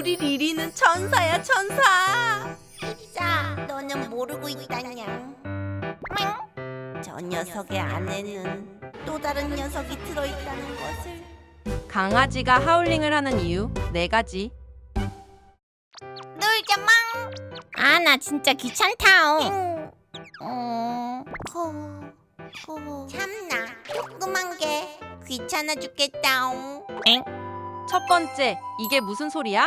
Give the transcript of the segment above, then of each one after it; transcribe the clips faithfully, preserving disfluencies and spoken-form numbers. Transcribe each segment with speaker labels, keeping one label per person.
Speaker 1: 우리 리리는 천사야, 천사.
Speaker 2: 자, 너는 모르고 있다냥. 저 녀석의 안에는 또 다른 녀석이 들어있다는 것을.
Speaker 3: 강아지가 하울링을 하는 이유 네 가지.
Speaker 2: 놀자 망. 아, 나 진짜 귀찮다옹. 어, 코, 코. 참나, 조그만 게 귀찮아 죽겠다옹.
Speaker 3: 첫 번째, 이게 무슨 소리야?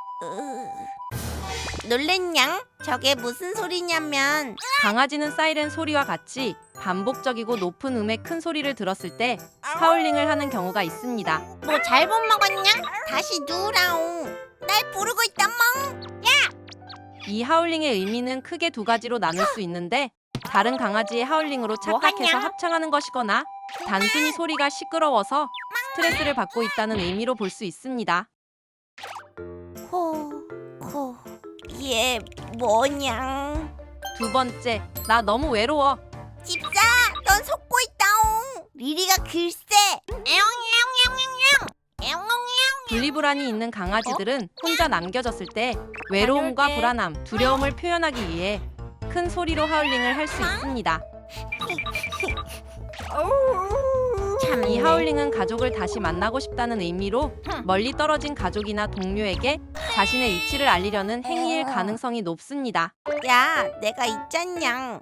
Speaker 2: 으, 놀랬냥? 저게 무슨 소리냐면
Speaker 3: 강아지는 사이렌 소리와 같이 반복적이고 높은 음의 큰 소리를 들었을 때 하울링을 하는 경우가 있습니다.
Speaker 2: 뭐 잘못 먹었냥? 다시 누우라옹. 날 부르고 있단 멍.
Speaker 3: 이 하울링의 의미는 크게 두 가지로 나눌 수 있는데 다른 강아지의 하울링으로 착각해서
Speaker 2: 뭐하냐?
Speaker 3: 합창하는 것이거나 단순히 소리가 시끄러워서 스트레스를 받고 있다는 의미로 볼 수 있습니다.
Speaker 2: 코, 코. 얘 뭐냥?
Speaker 3: 두 번째, 나 너무 외로워.
Speaker 2: 집사, 넌 속고 있다옹. 리리가 글쎄. 에옹에옹에옹에옹. 에옹에옹.
Speaker 3: 분리불안이 있는 강아지들은 혼자 남겨졌을 때 외로움과 불안함, 두려움을 표현하기 위해 큰 소리로 하울링을 할 수 있습니다.
Speaker 2: 참,
Speaker 3: 이 하울링은 가족을 다시 만나고 싶다는 의미로 멀리 떨어진 가족이나 동료에게 자신의 위치를 알리려는 행위일 가능성이 높습니다.
Speaker 2: 야, 내가 있잖냥.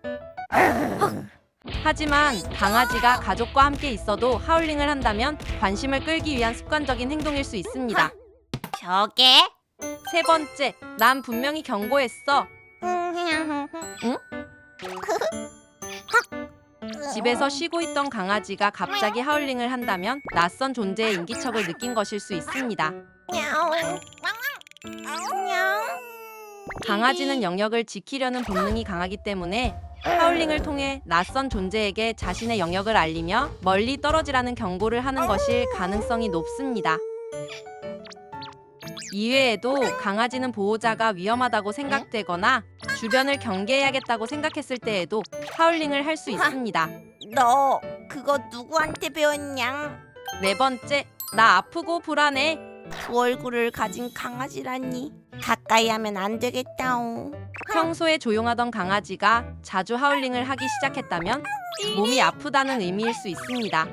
Speaker 3: 하지만 강아지가 가족과 함께 있어도 하울링을 한다면 관심을 끌기 위한 습관적인 행동일 수 있습니다.
Speaker 2: 저게?
Speaker 3: 세 번째, 난 분명히 경고했어.
Speaker 2: 응?
Speaker 3: 집에서 쉬고 있던 강아지가 갑자기 하울링을 한다면 낯선 존재의 인기척을 느낀 것일 수 있습니다.
Speaker 2: 냐옹. 냐옹.
Speaker 3: 강아지는 영역을 지키려는 본능이 강하기 때문에 하울링을 통해 낯선 존재에게 자신의 영역을 알리며 멀리 떨어지라는 경고를 하는 것일 가능성이 높습니다. 이외에도 강아지는 보호자가 위험하다고 생각되거나 주변을 경계해야겠다고 생각했을 때에도 하울링을 할 수 있습니다.
Speaker 2: 너 그거 누구한테 배웠냥?
Speaker 3: 네 번째, 나 아프고 불안해.
Speaker 2: 두 얼굴을 가진 강아지라니. 가까이 하면 안 되겠다옹.
Speaker 3: 평소에 조용하던 강아지가 자주 하울링을 하기 시작했다면 몸이 아프다는 의미일 수 있습니다.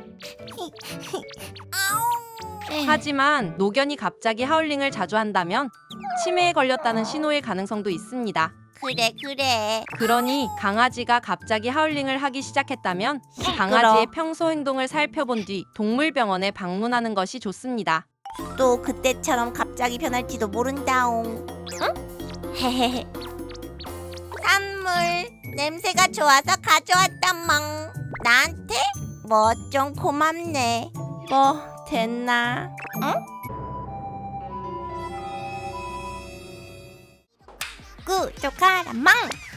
Speaker 3: 하지만 노견이 갑자기 하울링을 자주 한다면 치매에 걸렸다는 신호일 가능성도 있습니다.
Speaker 2: 그래 그래.
Speaker 3: 그러니 강아지가 갑자기 하울링을 하기 시작했다면 강아지의 평소 행동을 살펴본 뒤 동물병원에 방문하는 것이 좋습니다.
Speaker 2: 또 그때처럼 갑자기 변할지도 모른다옹. 응? 헤헤헤. 선물 냄새가 좋아서 가져왔단멍. 나한테? 뭐 좀 고맙네. 뭐 됐나? 응? 구독하라 망.